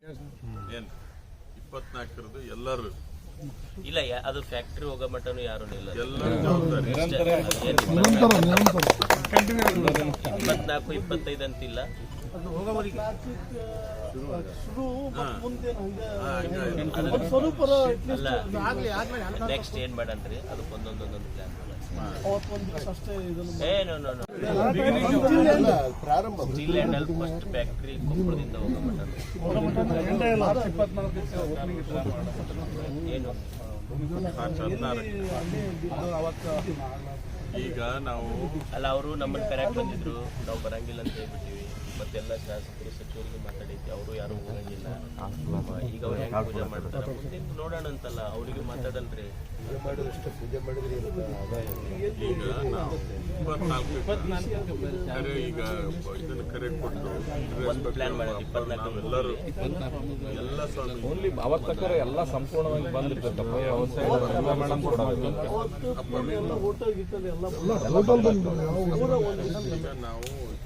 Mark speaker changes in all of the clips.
Speaker 1: ಏನು 24ರದು ಎಲ್ಲರೂ
Speaker 2: ಇಲ್ಲ, ಅದು ಫ್ಯಾಕ್ಟ್ರಿ ಹೋಗೋ ಮಟ್ಟನು ಯಾರು ಇಲ್ಲ,
Speaker 1: ಎಲ್ಲರೂ ಜವಾಬ್ದಾರಿ
Speaker 2: 24-25 ಅಂತಿಲ್ಲ. ನೆಕ್ಸ್ಟ್ ಏನ್ ಮಾಡನ್ರಿ, ಅದಕ್ಕೆ ಒಂದೊಂದು plan steel handle first factory ಕೊಪ್ಪಳದಿಂದ ಹೋಗೋ ಏನು
Speaker 1: ಈಗ ನಾವು
Speaker 2: ಅಲ್ಲ, ಅವರು ನಮ್ಮನ್ನು ಕರೆಕ್ಟ್ ಬಂದಿದ್ರು, ನಾವು ಬರಂಗಿಲ್ಲ ಅಂತ ಹೇಳ್ಬಿಟ್ಟಿವಿ. ಮತ್ತೆಲ್ಲ ಶಾಸಕರು ಸಚಿವರಿಗೆ ಮಾತಾಡೈತಿ, ಅವರು ಯಾರು ಹೋಗಂಗಿಲ್ಲ. ಈಗ ಅವ್ರು ಹೆಂಗ್ ಪೂಜೆ ಮಾಡ್ತಾರೆ ನೋಡೋಣ ಅಂತಲ್ಲ, ಅವ್ರಿಗೆ ಮಾತಾಡಲ್ರಿ.
Speaker 1: ಈಗ ನಾವು 24 ಕರೆ ಈಗ ಇದನ್ನು ಕರೆ ಕೊಟ್ಟು
Speaker 2: ಪ್ಲಾನ್ ಮಾಡೋದು 24
Speaker 1: ಎಲ್ಲರೂ ಎಲ್ಲ
Speaker 3: ಓನ್ಲಿ ಅವತ್ತಕ್ಕರೆ ಎಲ್ಲ ಸಂಪೂರ್ಣವಾಗಿ ಬಂದಿರ್ತಕ್ಕಪ್ಪ
Speaker 1: ಈಗ ನಾವು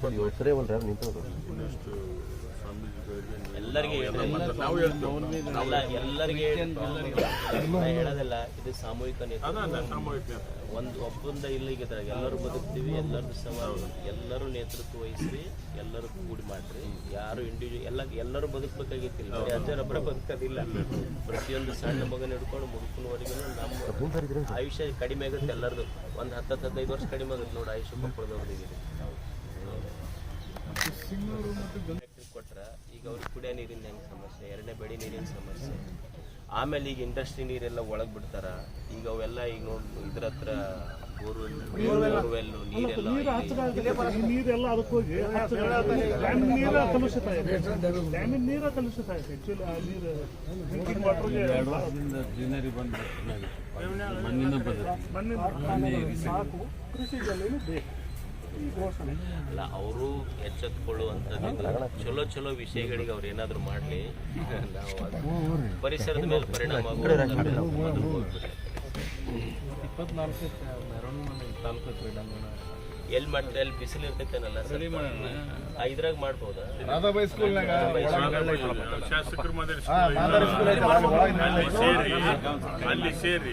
Speaker 2: ಎಲ್ಲರಿಗೆ
Speaker 1: ನಾವು
Speaker 2: ಅಲ್ಲ, ಎಲ್ಲರಿಗೆ ಹೇಳೋದಲ್ಲ, ಇದು ಸಾಮೂಹಿಕ
Speaker 1: ಸಾಮೂಹಿಕ
Speaker 2: ಒಂದು ಒಬ್ಬಂದ ಇಲ್ಲಿಗೆ ಎಲ್ಲರೂ ಬದುಕ್ತೀವಿ, ಎಲ್ಲರೂ ನೇತೃತ್ವ ವಹಿಸಿ, ಎಲ್ಲರೂ ಕೂಡಿ ಮಾಡ್ರಿ. ಯಾರು ಇಂಡಿವಿಜುವಲ್ ಎಲ್ಲರೂ ಬದುಕಬೇಕಾಗಿತ್ತಿಲ್ಲ, ಅಜ್ಜರೊಬ್ಬರ ಬದುಕೋದಿಲ್ಲ. ಪ್ರತಿಯೊಂದು ಸಣ್ಣ ಮಗನ ಹಿಡ್ಕೊಂಡು ಮುದುಕನವರೆಗೂ ನಮ್ಮ ಆಯುಷ್ಯ ಕಡಿಮೆ ಆಗುತ್ತೆ. ಎಲ್ಲರದು ಒಂದು 10-15 ವರ್ಷ ಕಡಿಮೆ ಆಗುತ್ತೆ ನೋಡಿ ಆಯುಷ್ಯ ಕೊಡೋದವರಿಗೆ. ಕೊಟ್ರ ಈಗ ಅವ್ರಿಗೆ ಕುಡಿಯೋ ನೀರಿನ ಹೆಂಗೆ ಸಮಸ್ಯೆ, ಎರಡನೇ ಬೆಳೆ ನೀರಿನ ಸಮಸ್ಯೆ, ಆಮೇಲೆ ಈಗ ಇಂಡಸ್ಟ್ರಿ ನೀರೆಲ್ಲ ಒಳಗೆ ಬಿಡ್ತಾರ. ಈಗ ಅವೆಲ್ಲ ಈಗ ನೋಡಿ ಇದ್ರ ಹತ್ರ ಬೋರ್ವೆಲ್ ನೀರೆಲ್ಲ
Speaker 4: ಅದಕ್ಕೆ ಹೋಗಿ ನೀರ ಕಲುಷಿತ ಇದೆ, ಡ್ಯಾಮಿನ ನೀರ ಕಲುಷಿತ ಇದೆ. ಆಕ್ಚುಲಿ ಆ ನೀರು ಡ್ರಿಂಕಿಂಗ್ ವಾಟರ್ಗೆ ಮಣ್ಣಿನ ಸಾಕು, ಕೃಷಿ ಜಲ್ಲೇನು ಬೇಕು.
Speaker 2: ಅಲ್ಲ, ಅವರು ಎಚ್ಚೆತ್ಕೊಳ್ಳುವಂಥದ್ದು ಚಲೋ ವಿಷಯಗಳಿಗೆ ಅವ್ರು ಏನಾದ್ರು ಮಾಡಲಿ. ನಾವು ಪರಿಸರದ ಮೇಲೆ ಪರಿಣಾಮ ಆಗೋದು
Speaker 3: 24 ತಾಲೂಕು ಕ್ರೀಡಾಂಗಣ
Speaker 2: ಎಲ್ಲಿ ಮಾಡ್ತಾರೆ, ಅಲ್ಲಿ ಬಿಸಿಲು ಇರ್ತೈತೇನಲ್ಲ, ಇದ್ರಾಗ ಮಾಡ್ಬೋದಾ?
Speaker 1: ಶಾಸಕರು ಅಲ್ಲಿ ಸೇರಿ